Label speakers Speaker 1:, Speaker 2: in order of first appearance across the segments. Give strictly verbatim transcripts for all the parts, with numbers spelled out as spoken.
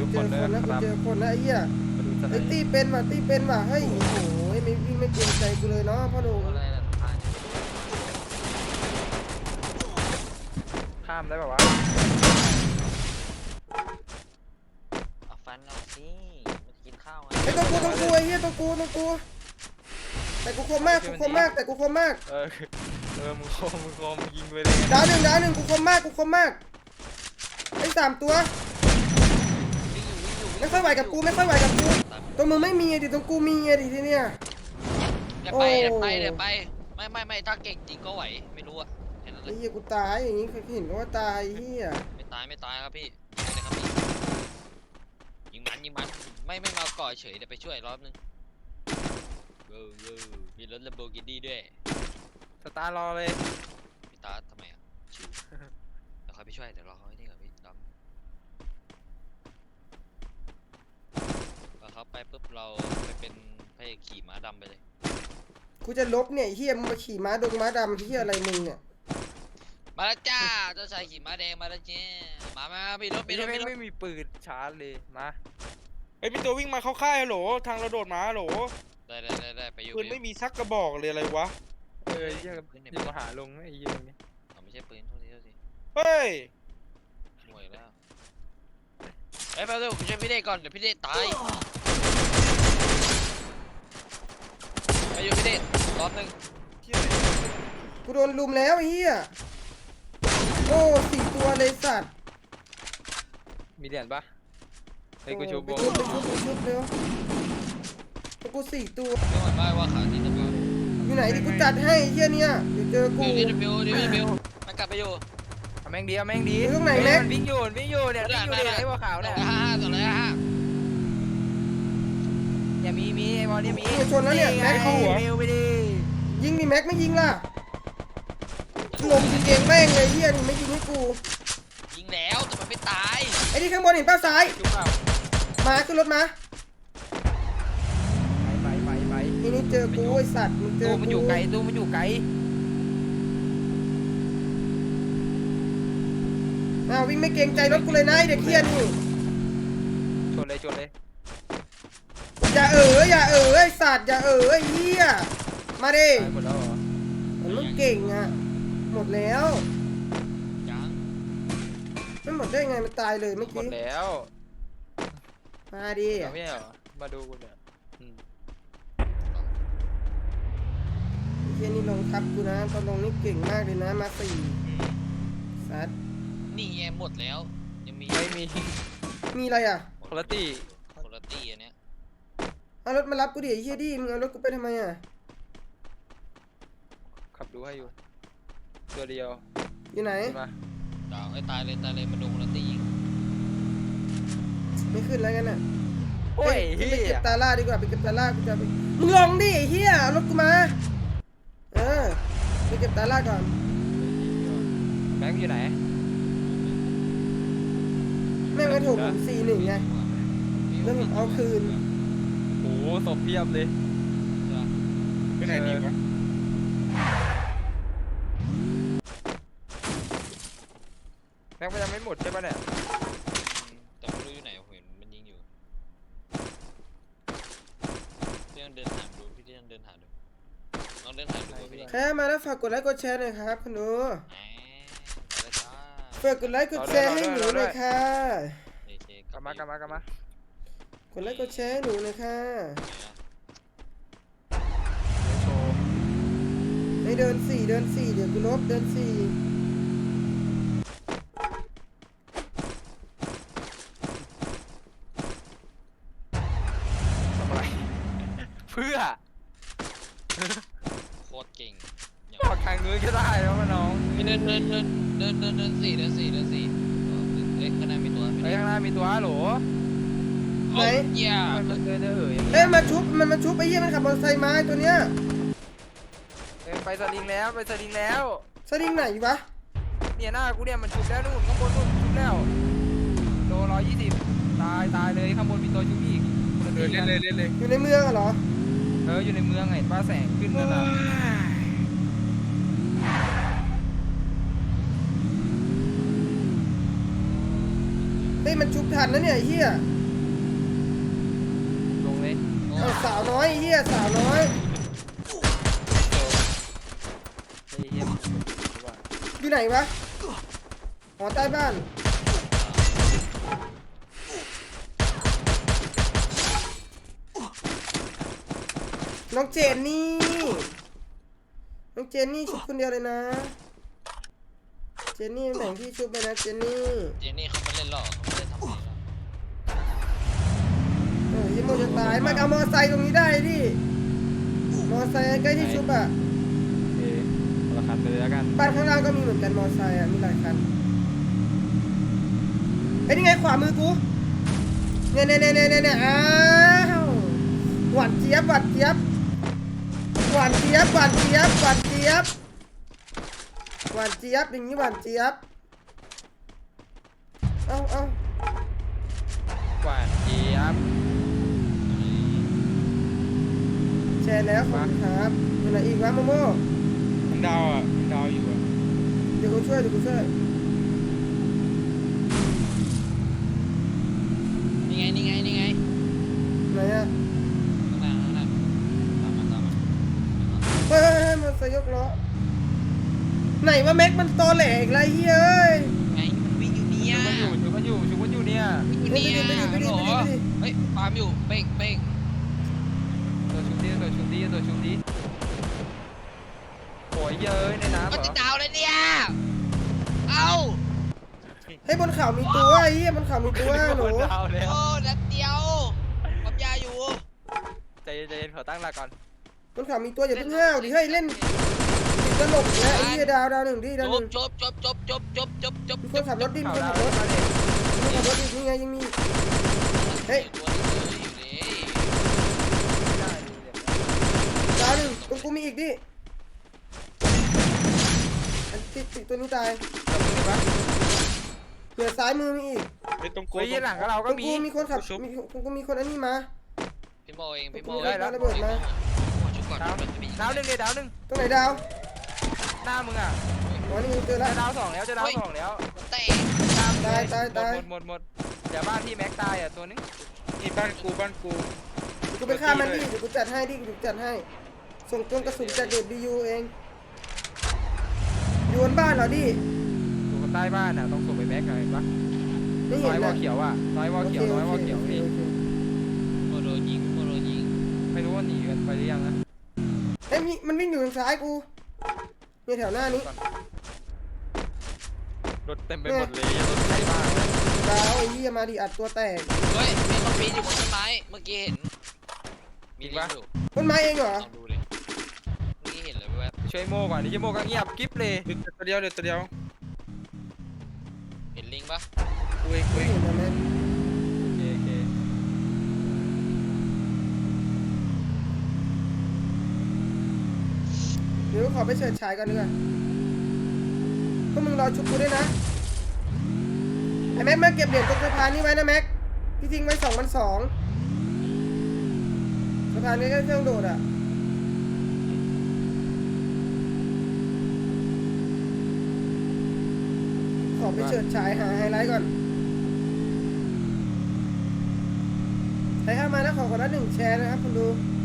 Speaker 1: เจอคนแล้วกูเจอคนแล้วไอ้เหี้ย
Speaker 2: มาดูสไล
Speaker 1: ไอ้
Speaker 2: ด์
Speaker 1: ตีเป็นว่ะตีเป็นว่ะเฮ้ยโอ้โหไม่วิ่งไม่เกรงใจกูเลยเนาะพ่อหนุ่ม
Speaker 3: อะไรล่ะทาน
Speaker 2: ข้ามได้ป่าวะ
Speaker 3: เอาฟันเอาสิมากินข้าวไง
Speaker 1: ไอ้ตัวกูตัวกูไอ้เหี้ยตัวกูตัวกูแต่กูคมมากกูคมมากแต่กูคมมาก
Speaker 2: เออเออมึงคมมึงคมยิงไปเลย
Speaker 1: ดาวหนึ่งดาวหนึ่งกูคมมากกูคมมากไอ้สามตัว
Speaker 3: วิ่งอยู่วิ่งอยู่
Speaker 1: ไม่ค่อยไหวกับกูไม่ค่อยไหวกับกูตรงมึงไม่มีไงดิตรงกูมีไงดิทีเนี้ย
Speaker 3: เดี๋ยวไปเดี๋ยวไปเดี๋ยวไปไม่ไม่ไม่ถ้าเก่งจริงก็ไหวไม่รู้อะแค่นั้นเล
Speaker 1: ไอ้
Speaker 3: ย
Speaker 1: เหี้ยกูตายอย่างงี้เคยเห็นว่าตายเหี้ย
Speaker 3: ไม่ตายไม่ตายครับพี่ยิงเลยครับพี่ยิงมันยิงมันไม่ไม่มาก่อเฉยเดี๋ยวไปช่วยรอบนึงเออเออมีรถลัมโบกินี่ด้วย
Speaker 2: สตาร์รอเลย
Speaker 3: พี่ตาทำไมอ่ะชิวเดี๋ยวเขาไปช่วยเดี๋ยวรอเขาให้นี่ก่อนพี่ดำพอเขาไปปุ๊บเราไปเป็นพระเอกขี่ม้าดำไปเลย
Speaker 1: กูจะลบเนี่ยไอ้เหี้ยมึงมาขี่ม้าดงม้าดำเหี้ยอะไรมึงเนี่ย
Speaker 3: มาแล้วจ้าเจ้าชายขี่ม้าแดงมาแล้วจ้ามามามีรถมี
Speaker 2: ไม่
Speaker 3: รถมีรถ
Speaker 2: ไม่มีปืนชาร์จเลยมา
Speaker 4: เฮ้ยมีตัววิ่งมาเข้าค่ายฮัลโหลทางเราโดดมาฮัลโหล
Speaker 3: ได้ได้ได้ได้ไปอยู่
Speaker 4: ปืนไม่มีสักกระบอกเลยอะไรวะ
Speaker 2: เออเหี้ยยิงมาหาลงไอ้เหี้ยนี่
Speaker 3: เอาไม่ใช่ปืนโทษทีโทษที
Speaker 4: เฮ้ย
Speaker 3: ห่วยแล้วเอ้ยแป๊บนึงผมช่วยพี่เด็กก่อนเดี๋ยวพี่เด็กตายไปอยู่พี่เด็กรอบนึง
Speaker 1: กูโดนลุมแล้วไอ้เหี้ยโอ้สี่ตัวเลยสัตว์
Speaker 2: มีเหรียญปะไอ้กูชูโบ
Speaker 1: ไปชุบไปชุบไปชุบเร็วตัวกูสี่ตัว
Speaker 3: ไม่หวั่นไหวว่าขาที่จะมา
Speaker 1: อยู่ไหนดิกูจัดให้ไอ้เหี้ยเนี่ยเดี๋ยวเจอกู
Speaker 3: บิวดิบิวดิบิวดิบิวมันกลับไปอยู่
Speaker 2: เอาแม่งดีเอาแม่งดี
Speaker 1: อยู่ตรงไหนแม็ก
Speaker 2: มันวิ่งอยู่มันวิ่งอยู่เนี่ยวิ่งอยู่เนี่ยไอ้หัวขาว
Speaker 3: สอ
Speaker 2: เนี่ย
Speaker 3: งห้าห้าสองร้อยห้า
Speaker 2: อย่ามีมีไอ้บอลเนี่ยมี
Speaker 1: ชนแล้วเนี่ยแม็ก
Speaker 2: เข้าหัวเร็วไปดิ
Speaker 1: ยิงดิแม็กไม่ยิงล่ะลมยิงเองแม่งเลยเหี้ยนี่ไม่ยิงให้กู
Speaker 3: ยิงแล้วแต่มันไม่ตาย
Speaker 1: ไอ้ที่ข้างบนเห็นเป้าซ้าย
Speaker 2: จุ๊บเปล่า
Speaker 1: มาขึ้นรถมา
Speaker 2: ไปไปไปไป
Speaker 1: ทีนี้เจอกูไอ้สัตว์มึงเจอ
Speaker 2: ตู้
Speaker 1: กู
Speaker 2: มันอยู่ไกลตู้มันอยู่ไกล
Speaker 1: อ้าววิ่งไม่เกรงใจรถกูเลยนะไอ้เด็กเหี้ยนี่
Speaker 2: ชนเลยชนเลย
Speaker 1: อย่าเอออย่าเออไอ้สัตว์อย่าเออไอ้เหี้ยมาดิ
Speaker 2: ตายหมดแล้วเหรอ
Speaker 1: มันมึงเก่งอ่ะหมดแล้ว
Speaker 3: ยัง
Speaker 1: ไม่หมดได้ไงมันตายเลยเมื่อ
Speaker 2: หมด
Speaker 1: กี้
Speaker 2: แล้ว
Speaker 1: มาดิ
Speaker 2: เอาไม่เหรอมาดูกูเนี่ยอืม
Speaker 1: ไอ้เหี้ยนี่ลงทับกูนะตอนลงนี่เก่งมากเลยนะมาสี่สัตว์
Speaker 3: นี่ไงหมดแล้วยังมี
Speaker 2: ไม่มี
Speaker 1: มีอะไรอ่ะ
Speaker 2: คุณภาพ
Speaker 3: คนละตี้อันเนี้ย
Speaker 1: เอารถมารับกูดิไอ้เหี้ยดิมึงเอารถกูไปทำไมอ่ะ
Speaker 2: ขับดูให้อยู่ตัวเดียว
Speaker 1: อยู่ไหน
Speaker 2: ขึ้นมา
Speaker 3: ดาวให้ตายเลยตายเลยมาโดนคนละตี้ยิง
Speaker 1: ไม่ขึ้นแล้วกันน่ะ
Speaker 2: โอ้ย
Speaker 1: เฮ้
Speaker 2: เฮี
Speaker 1: ยไปเก็
Speaker 2: ย
Speaker 1: บตาล่าดีกว่าไปเก็บตาล่ากูจะไปมึงลงดิไอ้เหี้ยเอารถกูมาเออไปเก็บตาล่าก่อน
Speaker 2: แบงค์อยู่ไหน
Speaker 1: แม่งกระถูกผมสี่หนึ่งไงแล้วผมเอาคืน
Speaker 2: โอ้โหศพเพียบเลย
Speaker 4: ไปไหนดีวะ
Speaker 2: แบงค์มันยังไม่หมดใช่ปะเนี่ย
Speaker 3: แต่ไม่รู้อยู่ไหนผมเห็นมันยิงอยู่พี่ต้องเดินหาดูพี่ต้องเดินหาดูลองเดินหาดูพี่
Speaker 1: ใครมาแล้วฝากกดไลค์กดแชร์หน่อยครับคุณดู
Speaker 3: แหมไปเลยจ้า
Speaker 1: ฝากกดไลค์กดแชร์ให้หนูหน่อยค่ะ
Speaker 3: โอเค
Speaker 2: กลับมากลับมากลับมาก
Speaker 1: ดไลค์กดแชร์ให้หนูหน่อยค่ะ
Speaker 2: โชว์
Speaker 1: ให้เดินสี่เดินสี่เดี๋ยวกูลบเดินสี่
Speaker 2: ทำอะไรเพื่อ
Speaker 3: โคตรเก่งอย่าง
Speaker 2: ออกทางนู้นก็ได้แล้วน้อง
Speaker 3: พี่เดินเดินเดินเดินเดินเดินสี่เดินสี่เดินสี่เอ๊ะข้างหน้ามีตัว
Speaker 2: ไอ้ข้างหน้ามีตัวฮัลโหล
Speaker 1: ไหน
Speaker 3: เยี่ย
Speaker 2: มันเดินเดินเอ๋ย
Speaker 1: เอ้ยมาชุบมันมาชุบไอ้เหี้ยมันขับมอเตอร์ไซค์มาไอ้ตัวเนี้ย
Speaker 2: ไปสลิงแล้วไปสลิงแล้ว
Speaker 1: สลิงไหนวะ
Speaker 2: เนี่ยหน้ากูเนี่ยมันชุบแล้วนู่นข้างบนนู่นชุบแล้วโลร้อยยี่สิบตายตายเลยข้างบนมีตัวชุบอีก
Speaker 4: เดินเล่นเลยเล่นเลย
Speaker 1: อยู่ในเมืองอะเหรอ
Speaker 2: เอออยู่ในเมืองไงป้าแสงขึ้นนั่นน่ะ
Speaker 1: เฮ้ยมันชุบทันนะเนี่ยไอ้เหี้ยเอาสาวน้อยไอ้เหี้ยสาวน้อย
Speaker 2: ไอ้เหี้ยว่า
Speaker 1: อยู่ไหนวะหอใต้บ้านน้องเจนนี่น้องเจนนี่ชุบคนเดียวเลยนะเจนนี่แบ่งพี่ชุบไปนะเจนนี่
Speaker 3: เจนี่เขาไม่เล่นหรอกเขาไม่ได้ทำอะไรหรอก
Speaker 1: เออยังโมจะตายมาเอามอไซค์ตรงนี้ได้ดิมอไซค์ใกล้ที่ชุบอ่ะ
Speaker 2: เอ๊ะราคาไปเลยแล้วกัน
Speaker 1: บ้านข้างล่างก็มีเหมือนกันมอไซค์อ่ะมีหลายคันไอ้ยนี่ไงขวามือกูเนี่ยเนี่ยเนี่ยเนี่ยเนี่ยอ้าวหวานเจี๊ยบหวานเจี๊ยบหวานเจี๊ยบหวานเจี๊ยบหวานเจี๊ยบหวานเจี๊ยบอย่างนี้หวานเจี๊ยบเอ้าเอ้าก
Speaker 2: ว่าเจี๊ยบ
Speaker 1: แชร์แล้วขอบคุณครับอยู่ไหนอีกวะโมโม่
Speaker 4: มันดาวอ่ะมันดาวอยู่อ่ะ
Speaker 1: เดี๋ยวกูช่วยเดี๋ยวกูช่วย
Speaker 3: นี่ไงนี่ไงนี่ไง
Speaker 1: ไหนอ่ะ
Speaker 3: ข้างหน้าข้างหน้าตามมาตามมา
Speaker 1: เฮ้ยเฮ้ยเฮ้ยมันสยกล้อไหนว่าแม็กมันตอแหลกไรเฮ้ย
Speaker 3: ไงมันวิ่งอยู่เนี่ย
Speaker 2: ชุบกันอยู่ชุบกันอยู่ชุบกันอยู่เนี่ย
Speaker 3: วิ่งอยู่
Speaker 1: ไป
Speaker 3: เนี่
Speaker 1: ดิ
Speaker 3: ย
Speaker 1: ไปดิ
Speaker 3: ฮัลโหล
Speaker 1: ไปดิไปดิ
Speaker 3: เฮ้ยฟาร์มอยู่เป้งเป้ง
Speaker 2: ตัวชุบดีตัวชุบดีตัวชุบดีโอ้ยเยอะในน้ำเหร
Speaker 3: ก็
Speaker 2: อ
Speaker 3: ติดดาวเลยเนี่ยเอ้า
Speaker 1: เฮ้ยบนเขามีตัวไอ้เหี้ยบนเขามีตัวหนู
Speaker 2: ดาวแล้ว
Speaker 3: โอ้นัดเดียวปั๊มยาอยู่
Speaker 2: ใจเย็นใจเย็นขอตั้งหลักก่อน
Speaker 1: บนเขามีตัวอย่าเพิ่งห้าวดิเฮ้ยเล่นติดตลกแล้วไอ้เหี้ยดาวดาวหนึ่งดิดาวหนึ่ง
Speaker 3: จบจบจบจบจบจบจบจบ
Speaker 1: มีคนขับรถดิมี
Speaker 2: ข่า
Speaker 1: คว น
Speaker 2: ดา
Speaker 1: ขั
Speaker 2: ว
Speaker 1: บรถ
Speaker 2: มาเลย
Speaker 1: มีคนขับรถอีกนี่ไงยังมี เฮ้ย
Speaker 3: ตัวนี้เลยอยู่นี่
Speaker 2: ได้ดีเลย
Speaker 1: ดาวหนึ่งตรงกูมีอีกดิอันติดติดตัวนี้ตาย
Speaker 2: จับมือได้ปะ
Speaker 1: เหลือซ้ายมือมีอีก
Speaker 4: ไอ้ตรงโก
Speaker 2: เฮ้ยหลังก็เรา
Speaker 1: ต
Speaker 2: ก็
Speaker 1: รง
Speaker 2: มี
Speaker 1: กูมีคนขับมีตรงกูมีคนอันนี้มา
Speaker 3: พี่โมเองพี่โม
Speaker 1: ได้แล้วระเบิดมา
Speaker 3: ชุบก่อน
Speaker 2: ดาว
Speaker 3: มันจะมี
Speaker 2: ดาวหนึ่งเลยดาวหนึ่ง
Speaker 1: ตรงไหนดาว
Speaker 2: หน้ามึงอ่ะ
Speaker 1: อ๋อนี่เจอ
Speaker 2: จะ
Speaker 1: แล้ว
Speaker 2: ดาวสองแล้วจะดาวสองแล้ว
Speaker 3: เตะ
Speaker 2: ตาม
Speaker 1: ตายตายตาย
Speaker 2: หมดหมดหมดเดี๋ยวบ้านที่แม็กตายอ่ะตัวนึง
Speaker 4: นี่บ้านกูบ้านกู
Speaker 1: เดี๋ยวกูไปฆ่ามันดิเดี๋ยวกูจัดให้ดิเดี๋ยวกูจัดให้ ส่งตัวกระสุนจากเดบียูเองอยู่บนบ้านเหรอดิ
Speaker 2: อยู่ใต้บ้านอ่ะต้องส่งไปแม็กหน่อยปะ
Speaker 1: ไม่
Speaker 2: น้
Speaker 1: เห็
Speaker 2: อน ยวอ
Speaker 1: นะ
Speaker 2: เขียวอ่ะน้อยวอเขียวน้อยวอเขียวนี่
Speaker 1: โอเค
Speaker 3: โมโดนยิงโมโดนยิง
Speaker 2: ไม่รู้ว่าหนีกันไปหรือยังนะ
Speaker 1: เอ้ยมีมันวิ่งอยู่ทางซ้ายกูเนี่ยแถวหน้านี้
Speaker 2: รถเต็มไปหมดเลยรถไถบ้านเลย
Speaker 1: ดาวไอ้เหี้ยมาดิอัดตัวแตก
Speaker 3: เฮ้ยมีคนปีนอยู่บนต้นไม้เมื่อกี้เห็นมีลิงอยู่
Speaker 1: ต้นไม้เองเหรอ
Speaker 3: ลองดูเลยเมื่อกี้เห็นเลยแวบ
Speaker 2: ช่วยโม่ก่อนนี่ช่วยโม่ก็เงียบกิ๊บเลย
Speaker 4: เดี๋ยวตัวเดียวเดี๋ยวตัวเดียว
Speaker 3: เห็นลิงปะ
Speaker 4: กูเองกู
Speaker 1: ไม่
Speaker 4: เอง
Speaker 1: เห็นนะแม่
Speaker 2: โอเคโอเค
Speaker 1: เดี๋ยวขอไปเฉิดฉายก่อนดีกว่าพวกมึงรอชุบกูด้วยนะไอ้แม็กมาเก็บเหรียญตรงสะพานนี้ไว้นะแม็กพี่ทิ้งไว้สองพันสองสะพานนี้ก็เครื่องโดดอ่ะขอไปเฉิดฉายหาไฮไลท์ก่อนใครเข้ามาแล้วขอคนละหนึ่งแชร์นะครับคุณดู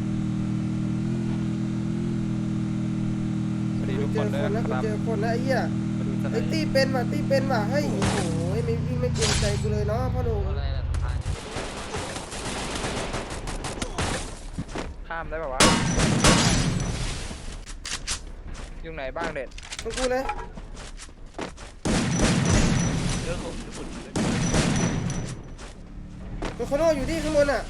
Speaker 2: สวัสดีทุก
Speaker 1: เจ
Speaker 2: ค
Speaker 1: อน
Speaker 2: เลย
Speaker 1: คนแล้ว
Speaker 2: ครับ
Speaker 1: เจอคนแล้วไอ้เหี้ย
Speaker 2: มาดูสไล
Speaker 1: ไอ้
Speaker 2: ด์
Speaker 1: ตีเป็นว่ะตีเป็นว่ะเฮ้ยโอ้โหไม่วิ่งไม่เกรงใจกูเลยเนาะพ่อหนุ่ม
Speaker 3: อะไรนะสะพาน
Speaker 2: ข้ามได้ป่าวะอยู่ไหนบ้างเด็ด
Speaker 1: ตรงกูเลย
Speaker 3: เรื่องของญี่ปุ่นเลย
Speaker 1: ตัวโคโน่อยู่ที่ข้างบนอ่ะ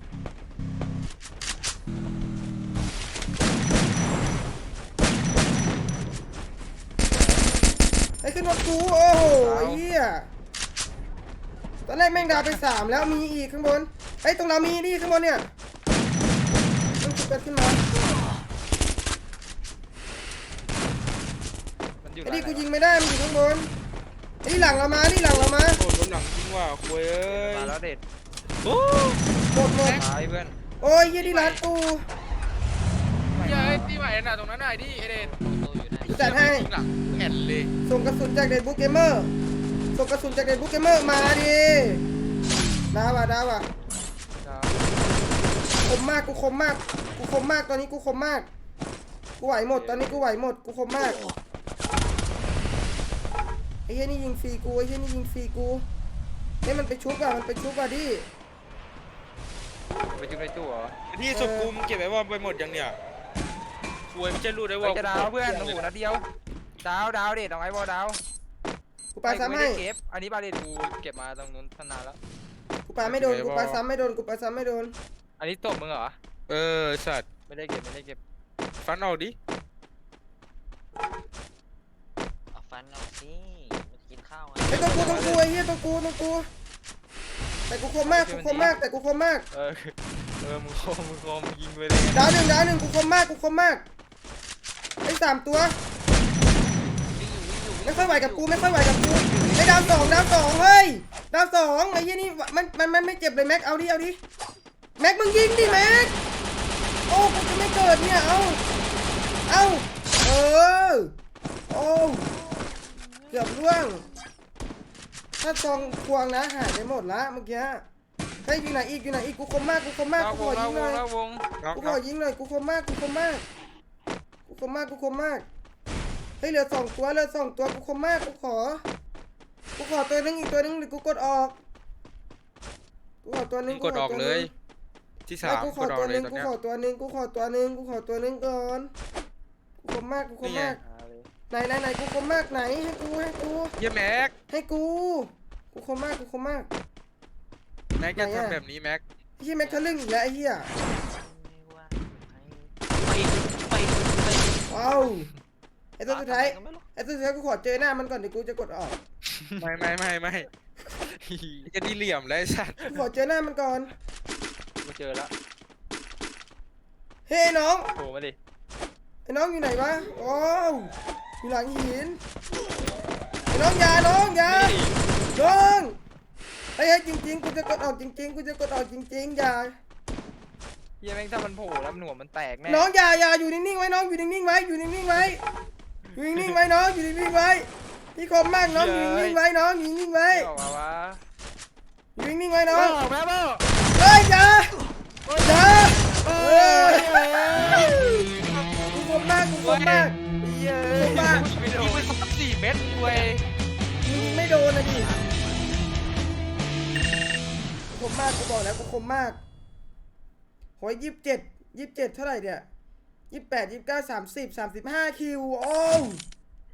Speaker 1: ไอ้ขึ้นรถกูโอ้โหไอ้เหี้ยตอนแรกแม่งดาวไปสามแล้วมีอีกข้างบนไอ้ยตรงเรามีนี่ข้างบนเนี่ยต้องชุบกันขึ้นมา
Speaker 2: มันอยู่
Speaker 1: ไอ้
Speaker 2: ไหน
Speaker 1: นี่กูยิงไม่ได้มันอยู่ข้างบนไอ้นี่หลังเรามานี่หลังเรามา
Speaker 4: โอ้โดนหลังจริงว่ะคุยเอ้ย
Speaker 2: มาแล้วเด็ด
Speaker 4: โอ้
Speaker 1: หมดหมด
Speaker 2: ตายเพื่อน
Speaker 1: โอ้ยเหี้ยที่ร้านกู
Speaker 4: ยายที่ไหวน่ะตรงนั้นน่ะดิเอเดน
Speaker 3: โตอยู่นะ
Speaker 1: กูจัดให้
Speaker 4: หลังแอนเลย
Speaker 1: ส่งกระสุนจากเดนบุ๊กเกมเมอร์ส่งกระสุนจากเดนบุ๊กเกมเมอร์มาดิดาวอ่ะดาวอ่ะ
Speaker 2: ดาว
Speaker 1: ดคมมากกูคมมากกูคมมากตอนนี้กูคมมากกูไหวหมดตอนนี้กูไหวหมดกูคมมากไอ้เหี้ยนี่ยิงฟรีกูไอ้เหี้ยนี่ยิงฟรีกูเฮ้ยมันไปชุบอ่ะมันไปชุบอ่ะดิ
Speaker 2: ไปจุ๊บในตู้เหรอ
Speaker 4: นี่ศพกูมึงเก็บไว้ว่าไปหมดยังเนี่ยควยไม่ใช่รูดได้
Speaker 2: ไป
Speaker 4: ว่า
Speaker 2: จะดาวเพื่อนโอ้โหนัดเดียวดาวดาวเด็ดเอาไอ้บอลดาว
Speaker 1: กูปาซ้ำให้
Speaker 2: เก็บอันนี้บาเด็ดกูเก็บมาตรงนู้นตั้งนานแล้ว
Speaker 1: กูปาไม่โดนกูปาซ้ำไม่โดนกูปาซ้ำไม่โดน
Speaker 2: อันนี้ตบมึงเหรอ
Speaker 4: เออสัตว์
Speaker 2: ไม่ได้เก็บไม่ได้เก็บ
Speaker 4: ฟันเอาดิ
Speaker 3: เอาฟันเอาสิมากินข้าวไง
Speaker 1: ไอ้ตัวกูตัวกูไอ้เหี้ยตัวกูตัวกูแต่กูคมมากกูคมมากแต่กูคมมาก
Speaker 2: เออเออมึงคมมึงคมยิงไปเลย
Speaker 1: ดาวหนึ่งดาวหนึ่งกูคมมากกูคมมากไอ้สามตัวไม่ค่อยไหวกับกูไม่ค่อยไหวกับกูไอ้ดาวสองดาวสองเฮ้ยดาวสองไอ้เหี้ยนี่มันมันมันไม่เจ็บเลยแม็กเอาดิเอาดิแม็กมึงยิงดิแม็กโอ้กูจะไม่เกิดเนี่ยเอาเอาเออโอ้เกือบร่วงถ้าซองควงนะหายไปหมดละเมื่อกี้เฮ้ยอยู่ไหนอีกอยู่ไหนอีกกูคมมากกูคมมาก
Speaker 2: เรา
Speaker 1: กู
Speaker 2: ว
Speaker 1: ของ
Speaker 2: เรา
Speaker 1: ยิง
Speaker 2: ว
Speaker 1: หน่
Speaker 2: ง
Speaker 1: อย
Speaker 2: เราวง
Speaker 4: น็อก
Speaker 1: กูข
Speaker 4: น็
Speaker 1: อ
Speaker 4: อก
Speaker 1: ยิงหน่อยกูคมมากกูคมมากกูคมมากกูคมมากเฮ้ยเหลือสองตัวเหลือสองตัวกูคมมากกูขอกูขอตัวนึงอีกตัวนึงเดี๋ยวกูกดออกกูขอตัวนึ
Speaker 4: มึ
Speaker 1: ง
Speaker 4: งกดออกเลย ที่สา
Speaker 1: ไม่
Speaker 4: ม
Speaker 1: กูข
Speaker 4: ก
Speaker 1: อ
Speaker 4: ดออ
Speaker 1: ตั
Speaker 4: ก
Speaker 1: ว
Speaker 4: เล
Speaker 1: นึ
Speaker 4: ย
Speaker 1: ง
Speaker 4: ตอน
Speaker 1: กู
Speaker 4: เนี้ย
Speaker 1: ขอตัวนึงกูขอตัวนึงกูขอตัวนึงก่อนกูคมมากกูคมมากไหนไหนไหนกูคมมากไหนให้กูให้กู
Speaker 4: เยี่ยแม็ก
Speaker 1: ให้กูกูคมมากกูคมมาก
Speaker 4: แม็กจะทำแบบนี้แม็ก
Speaker 1: ไอ้เหี้ยแม็กทะลึ่งอีกแล้วไอ้เหี้ย
Speaker 3: ไปไปไป
Speaker 1: ว้าวไอ้ตัวสุดท้าย
Speaker 3: ก็ไม่รู้
Speaker 1: ไอ้ตัวสุดท้ายกูขอเจอหน้ามันก่อนเดี๋ยวกูจะกดออก
Speaker 4: ไม่ไม่ไม่ไม่จะดีเหลี่ยมแล้วไอ้สัตว์
Speaker 1: กูขอเจอหน้ามันก่อน
Speaker 2: กูเจอแล้ว
Speaker 1: เฮ้ยน้อง
Speaker 2: โผล่มาดิ
Speaker 1: ไอ้น้องอยู่ไหนวะโอ้วอยู่หลังหินไอ้น้องอยาน้องอยาน้องไอ้เฮ้ยจริงๆกูจะกดออกจริงๆกูจะกดออกจริงๆอย่า
Speaker 2: เฮียแม่งถ้ามันโผล่แล้วมันหัวมันแตกแน่
Speaker 1: น้องอย่าอย่าอยู่นิ่งๆไว้น้องอยู่นิ่งๆไว้อยู่นิ่งๆไว้อยู่นิ่งๆไว้น้องอยู่นิ่งๆไว้พี่คมมากน้องอยู่นิ่งๆไว้น้องอยู่นิ่งๆไว้
Speaker 2: ออกมาวะ
Speaker 1: อยู่นิ่งๆไว้น้อง
Speaker 2: ออกแล้วบ้า
Speaker 1: เฮ้ยอย่าอย่าเฮ้ยกูคมมากกูคมมาก
Speaker 2: เย้
Speaker 1: คมมาก
Speaker 2: ไม่โดนไปสามสี่เม็ดเว้ย
Speaker 1: ยิงไม่โดนนะดิกูคมมากกูบอกแล้วกูคมมากโหยยี่สิบเจ็ดยี่สิบเจ็ดเท่าไหร่เนี่ยยี่สิบแปดยี่สิบเก้าสามสิบสามสิบห้าคิวโอ้